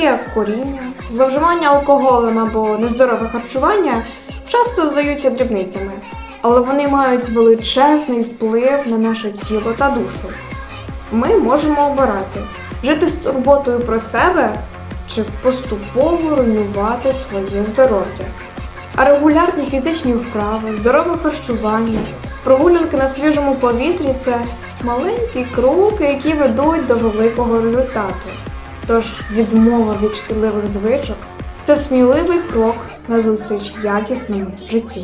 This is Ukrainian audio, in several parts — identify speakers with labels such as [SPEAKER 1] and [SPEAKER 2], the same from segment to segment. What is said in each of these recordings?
[SPEAKER 1] є куріння, зловживання алкоголем або нездорове харчування часто здаються дрібницями, але вони мають величезний вплив на наше тіло та душу. Ми можемо обирати – жити з турботою про себе чи поступово руйнувати своє здоров'я. А регулярні фізичні вправи, здорове харчування, прогулянки на свіжому повітрі – це маленькі кроки, які ведуть до великого результату. Тож відмова від шкідливих звичок – це сміливий крок назустріч якісному життю.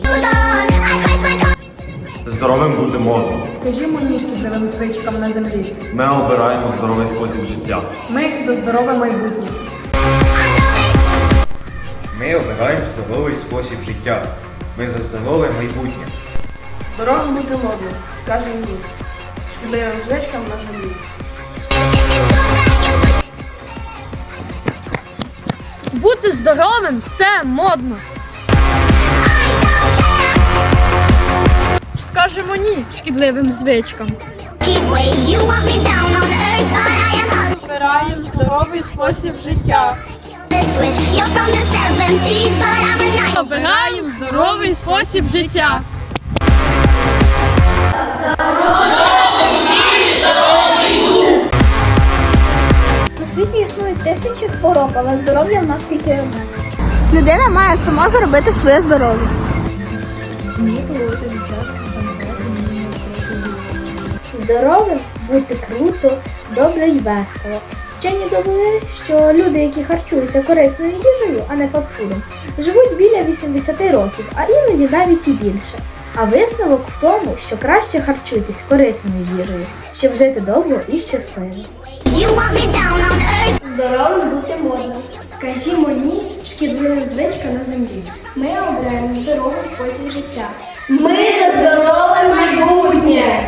[SPEAKER 2] Здоровим бути модно.
[SPEAKER 3] Скажімо ні шкідливим звичкам на землі.
[SPEAKER 2] Ми обираємо здоровий спосіб життя.
[SPEAKER 3] Ми за здорове майбутнє.
[SPEAKER 4] Ми обираємо здоровий спосіб життя. Ми за здорове майбутнє.
[SPEAKER 3] Здоровим бути модно. Скажемо ні шкідливим звичкам на землі.
[SPEAKER 5] Бути здоровим – це модно. Скажемо ні шкідливим звичкам. Обираємо здоровий спосіб життя. Обираємо здоровий спосіб життя.
[SPEAKER 6] У світі існують тисячі хвороб, але здоров'я в нас тільки одне. Людина має сама заробити своє здоров'я. Здоровим бути круто, добре і весело. Вчені довели, що люди, які харчуються корисною їжею, а не фастфудом, живуть біля 80 років, а іноді навіть і більше. А висновок в тому, що краще харчуйтесь корисною їжею, щоб жити довго і щасливо.
[SPEAKER 7] Здоровим бути можна. Скажімо ні шкідливим звичкам на землі. Ми обираємо здоровий спосіб життя. Ми за здорове майбутнє!